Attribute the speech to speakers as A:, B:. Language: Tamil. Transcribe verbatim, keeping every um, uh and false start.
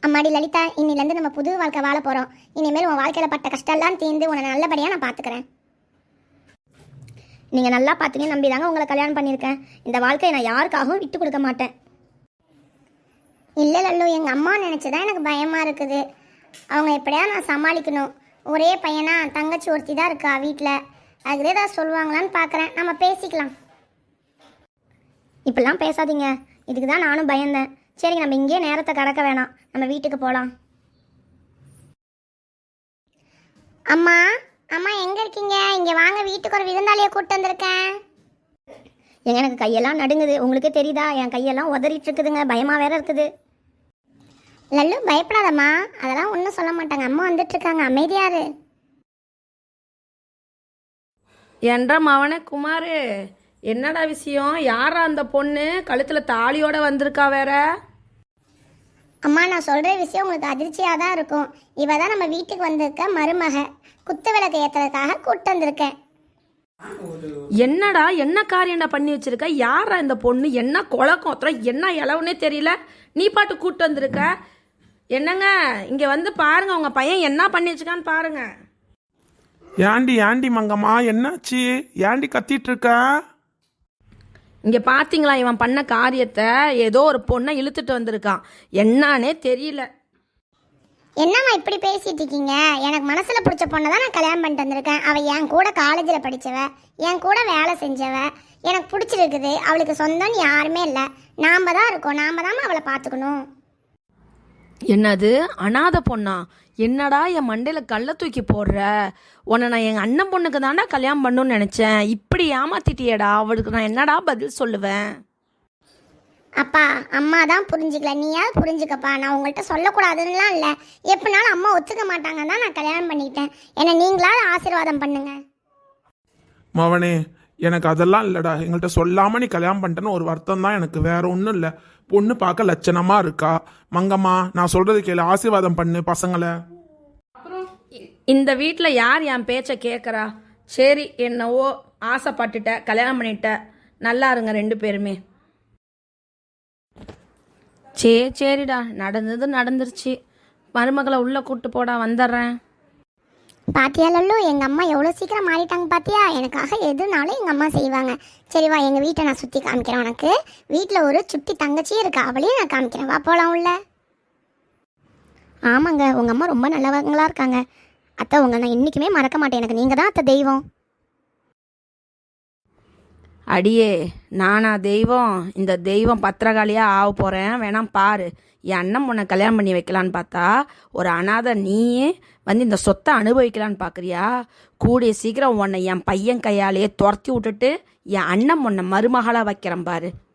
A: அம்மாடி லலிதா, இன்னிலேருந்து நம்ம புது வாழ்க்கை வாழ போகிறோம். இனிமேல் உன் வாழ்க்கையில் பட்ட கஷ்டம்லாம் தீர்ந்து உன்னை நல்லபடியாக நான் பார்த்துக்கிறேன். நீங்கள் நல்லா பார்த்தீங்கன்னு நம்பி தாங்க உங்களை கல்யாணம் பண்ணியிருக்கேன். இந்த வாழ்க்கையை நான் யாருக்காகவும் விட்டு கொடுக்க மாட்டேன். இல்லை லல்லு, எங்கள் அம்மா நினச்சிதான் எனக்கு பயமாக இருக்குது. அவங்க எப்படியா நான் சமாளிக்கணும். ஒரே பையனா, தங்கச்சி ஒருத்தி தான் இருக்கா வீட்டில். அதுக்கு ஏதாவது சொல்லுவாங்களான்னு பார்க்குறேன். நம்ம பேசிக்கலாம். இப்படிலாம் பேசாதீங்க. இதுக்கு தான் நானும் பயந்தேன். சரிங்க, நம்ம இங்கேயே நேரத்தை கடக்க வேணாம், நம்ம வீட்டுக்கு போகலாம். அம்மா அம்மா எங்கே இருக்கீங்க? இங்கே வாங்க, வீட்டுக்கு ஒரு விருந்தாளியை கூப்பிட்டு வந்திருக்கேன். எங்க எனக்கு கையெல்லாம் நடுங்குது. உங்களுக்கே தெரியுதா, என் கையெல்லாம் உதறிட்டு இருக்குதுங்க. பயமாக வேற இருக்குது. லல்லு, பயப்படாதம்மா, அதெல்லாம் ஒன்றும் சொல்ல மாட்டாங்க. அம்மா வந்துட்டு இருக்காங்க, அமைதியாரு.
B: என்ற மவனே குமாரு, என்னடா விஷயம்? யாரா அந்த பொண்ணு கழுத்தில் தாலியோட வந்திருக்கா வேற?
A: அம்மா, நான் சொல்கிற விஷயம் உங்களுக்கு அதிர்ச்சியாக தான் இருக்கும். இவ தான் நம்ம வீட்டுக்கு வந்திருக்க மருமக. குத்து விளக்கு ஏற்றுறதுக்காக கூப்பிட்டு வந்திருக்கேன்.
B: என்னடா, என்ன காரியம்டா பண்ணி வச்சிருக்க? யாரா இந்த பொண்ணு? என்ன குழக்கம், என்ன இளவுனே தெரியல. நீ பாட்டு கூப்பிட்டு வந்திருக்க. என்னங்க, இங்கே வந்து பாருங்க, உங்கள் பையன் என்ன பண்ணி வச்சுக்கான்னு பாருங்க.
C: ஏண்டி ஏண்டி மங்கம்மா, என்னாச்சு? ஏண்டி கத்திட்டு இருக்க?
B: இங்கே பார்த்தீங்களா இவன் பண்ண காரியத்தை? ஏதோ ஒரு பொண்ணை இழுத்துட்டு வந்திருக்கான். என்னானே தெரியல.
A: என்னம்மா இப்படி பேசிட்டு இருக்கீங்க? எனக்கு மனசில் பிடிச்ச பொண்ணை தான் நான் கல்யாணம் பண்ணிட்டு வந்திருக்கேன். அவள் என் கூட காலேஜில் படித்தவ, என் கூட வேலை செஞ்சவ. எனக்கு பிடிச்சிருக்குது. அவளுக்கு சொந்தம்னு யாருமே இல்லை. நாம் தான் இருக்கோம். நாம் தான் அவளை பார்த்துக்கணும்.
B: என்னது, அனாதை பொண்ணா? என்னடா என் மண்டையில் கல்லை தூக்கி போடுற? உன்னை நான் எங்கள் அண்ணன் பொண்ணுக்கு தாண்டா கல்யாணம் பண்ணணும்னு நினச்சேன். இப்படி ஏமாத்திட்டியேடா. அவளுக்கு நான் என்னடா பதில் சொல்லுவேன்?
A: அப்பா, அம்மா தான் புரிஞ்சுக்கல, நீயாவது புரிஞ்சுக்கப்பா. நான் உங்கள்கிட்ட சொல்லக்கூடாதுன்னுலாம் இல்லை. எப்படினாலும் அம்மா ஒத்துக்க மாட்டாங்க தான் நான் கல்யாணம் பண்ணிக்கிட்டேன். என்னை நீங்களாவது ஆசீர்வாதம் பண்ணுங்க.
C: மவனே, எனக்கு அதெல்லாம் இல்லைடா. எங்கள்கிட்ட சொல்லாமல் நீ கல்யாணம் பண்ணிட்டேன்னு ஒரு வருத்தம் தான் எனக்கு, வேற ஒன்றும் இல்லை. பொண்ணு பார்க்க லட்சணமாக இருக்கா. மங்கம்மா, நான் சொல்கிறது கேளு, ஆசீர்வாதம் பண்ணு பசங்களை.
B: இந்த வீட்டில் யார் என் பேச்சை கேட்குறா? சரி, என்னவோ ஆசைப்பட்டுட்ட, கல்யாணம் பண்ணிட்ட. நல்லா இருங்க ரெண்டு பேருமே. சரி சரிடா, நடந்தது நடந்துருச்சு. மருமகளை உள்ளே கூப்பிட்டு போடா, வந்துடுறேன்.
A: பாத்தியா லல்லு, எங்கள் அம்மா எவ்வளோ சீக்கிரம் மாறிட்டாங்க பாத்தியா? எனக்காக எதுனாலும் எங்கள் அம்மா செய்வாங்க. சரி வா, எங்கள் வீட்டை நான் சுற்றி காமிக்கிறேன் உனக்கு. வீட்டில் ஒரு சுட்டி தங்கச்சியும் இருக்கா, அவளையும் நான் காமிக்கிறேன். வா போகலாம் உள்ள. ஆமாங்க, உங்கள் அம்மா ரொம்ப நல்லவங்களா இருக்காங்க. அத்தை, உங்களை நான் என்றைக்குமே மறக்க மாட்டேன். எனக்கு நீங்கள் தான் அத்தை தெய்வம்.
B: அடியே, நானா தெய்வம்? இந்த தெய்வம் பத்திரகாளியாக ஆக போகிறேன், வேணாம் பாரு. என் அண்ணன் பொண்ணை கல்யாணம் பண்ணி வைக்கலான்னு பார்த்தா ஒரு அனாதை நீயே வந்து இந்த சொத்தை அனுபவிக்கலான்னு பார்க்குறியா? கூடிய சீக்கிரம் உன்னை என் பையன் கையாலேயே துரத்தி விட்டுட்டு என் அண்ணன் பொண்ணை மருமகளாக வைக்கிறேன் பாரு.